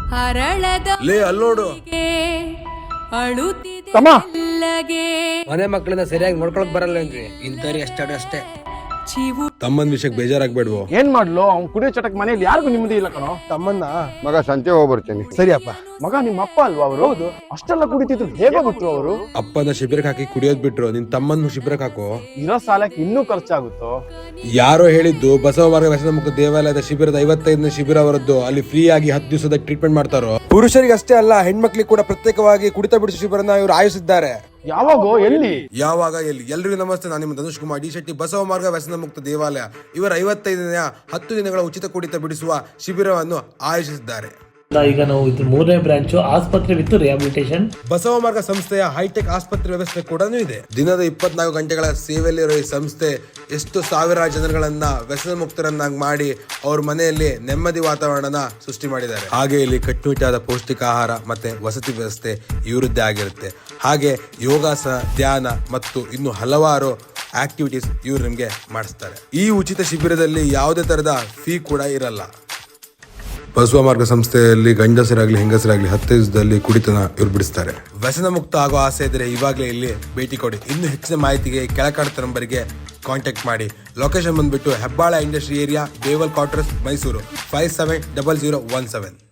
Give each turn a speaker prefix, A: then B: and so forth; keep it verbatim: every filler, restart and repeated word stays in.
A: ಲೇ ಅಲ್ಲೋಡು
B: ಮನೆ ಮಕ್ಕಳನ್ನ ಸರಿಯಾಗಿ ನೋಡ್ಕೊಳಕ್ ಬರಲ್ಲ ಏನ್ರಿ ಇಂಥವ್ರಿಗೆ ಅಷ್ಟಾಡು ಅಷ್ಟೇ.
A: ತಮ್ಮನ್ ವಿಷಯಕ್ಕೆ ಬೇಜಾರಾಗ್ಬೇಡ್ವೋ.
C: ಏನ್ ಮಾಡ್ಲು ಅವ್ನ್ ಕುಡಿಯೋ ಚಟಕ್ ಮನೇಲಿ ಯಾರಿಗೂ ನಿಮ್ಮದಿ ಇಲ್ಲ ಕಣೋ.
D: ತಮ್ಮನ್ನ ಮಗ ಸಂತೆ ಹೋಗ್ಬರ್ತೀನಿ.
A: ಸರಿಯಪ್ಪ.
C: ಮಗ ನಿಮ್ಮ ಅಪ್ಪ ಅಲ್ವಾ ಅವರು? ಹೌದು. ಅಷ್ಟೆಲ್ಲ ಕುಡಿತಿದ್ರು ಹೇಗೋ ಬಿಟ್ರು ಅವರು?
A: ಅಪ್ಪನ ಶಿಬಿರಕ್ಕೆ ಹಾಕಿ ಕುಡಿಯೋದ್ ಬಿಟ್ರು, ನಿನ್ ತಮ್ಮನ್ನು ಶಿಬಿರಕ್ಕೆ ಹಾಕೋ.
C: ಇರೋ ಸಾಲಕ್ಕೆ ಇನ್ನೂ ಖರ್ಚಾಗುತ್ತೋ.
A: ಯಾರೋ ಹೇಳಿದ್ದು ಬಸವ ಮಾರ್ಗ ವ್ಯಸನ ಮುಕ್ತ ದೇವಾಲಯದ ಶಿಬಿರದ ಐವತ್ತೈದನೇ ಶಿಬಿರ ಅವರದ್ದು. ಅಲ್ಲಿ ಫ್ರೀ ಆಗಿ ಹತ್ತು ದಿವಸದ ಟ್ರೀಟ್ಮೆಂಟ್ ಮಾಡ್ತಾರೋ. ಪುರುಷರಿಗೆ ಅಷ್ಟೇ ಅಲ್ಲ, ಹೆಣ್ಮಕ್ಳಿಗೆ ಕೂಡ ಪ್ರತ್ಯೇಕವಾಗಿ ಕುಡಿತ ಬಿಡಿಸೋ ಶಿಬಿರನ ಇವರು ಆಯೋಜಿಸಿದ್ದಾರೆ.
C: ಯಾವಾಗೋ ಎಲ್ಲಿ?
A: ಯಾವಾಗ ಎಲ್ಲಿ? ಎಲ್ರಿಗೂ ನಮಸ್ತೆ, ನಾನು ನಿಮ್ಮ ಧನುಷ್ ಕುಮಾರ್ ಡಿ ಶೆಟ್ಟಿ. ಬಸವ ಮಾರ್ಗ ವ್ಯಸನ ಮುಕ್ತ ದೇವಾಲಯ ಇವರ ಐವತ್ತೈದನೆಯ ಹತ್ತು ದಿನಗಳ ಉಚಿತ ಕುಡಿತ ಬಿಡಿಸುವ ಶಿಬಿರವನ್ನು ಆಯೋಜಿಸಿದ್ದಾರೆ.
E: ಈಗ ನಾವು ಇದು ಮೂರನೇ ಬ್ರಾಂಚ್ ಆಸ್ಪತ್ರೆ ವಿತ್ ರಿಹಾಬಿಲಿಟೇಷನ್.
A: ಬಸವ ಮಾರ್ಗ ಸಂಸ್ಥೆಯ ಹೈಟೆಕ್ ಆಸ್ಪತ್ರೆ ವ್ಯವಸ್ಥೆ ಕೂಡ ಇದೆ. ದಿನದ ಇಪ್ಪತ್ನಾಲ್ಕು ಗಂಟೆಗಳ ಸೇವೆಯಲ್ಲಿರೋ ಈ ಸಂಸ್ಥೆ ಎಷ್ಟು ಸಾವಿರಾರು ಜನಗಳನ್ನ ವ್ಯಸನ ಮುಕ್ತರನ್ನಾಗಿ ಮಾಡಿ ಅವ್ರ ಮನೆಯಲ್ಲಿ ನೆಮ್ಮದಿ ವಾತಾವರಣನ ಸೃಷ್ಟಿ ಮಾಡಿದ್ದಾರೆ. ಹಾಗೆ ಇಲ್ಲಿ ಕಟ್ಟುನಿಟ್ಟಾದ ಪೌಷ್ಟಿಕ ಆಹಾರ ಮತ್ತೆ ವಸತಿ ವ್ಯವಸ್ಥೆ ಇವರದ್ದೇ ಆಗಿರುತ್ತೆ. ಹಾಗೆ ಯೋಗಾಸನ, ಧ್ಯಾನ ಮತ್ತು ಇನ್ನು ಹಲವಾರು ಆಕ್ಟಿವಿಟೀಸ್ ಇವ್ರು ನಿಮ್ಗೆ ಮಾಡಿಸ್ತಾರೆ. ಈ ಉಚಿತ ಶಿಬಿರದಲ್ಲಿ ಯಾವುದೇ ತರಹದ ಫೀ ಕೂಡ ಇರಲ್ಲ. ಬಸವ ಮಾರ್ಗ ಸಂಸ್ಥೆಯಲ್ಲಿ ಗಂಡಸರಾಗ್ಲಿ ಹೆಂಗಸರಾಗ್ಲಿ ಹತ್ತು ದಿವಸದಲ್ಲಿ ಕುಡಿತನ ಇವ್ರು ಬಿಡಿಸ್ತಾರೆ. ವ್ಯಸನ ಮುಕ್ತ ಆಗೋ ಆಸೆ ಇದ್ರೆ ಇವಾಗಲೇ ಇಲ್ಲಿ ಭೇಟಿ ಕೊಡಿ. ಇನ್ನು ಹೆಚ್ಚಿನ ಮಾಹಿತಿಗೆ ಕೆಳಕಾಡ್ತ ನಂಬರ್ಗೆ ಕಾಂಟ್ಯಾಕ್ಟ್ ಮಾಡಿ. ಲೊಕೇಶನ್ ಬಂದ್ಬಿಟ್ಟು ಹೆಬ್ಬಾಳ ಇಂಡಸ್ಟ್ರಿ ಏರಿಯಾ, ಬೇವಲ್ quarters, Mysuru five seven double zero one seven.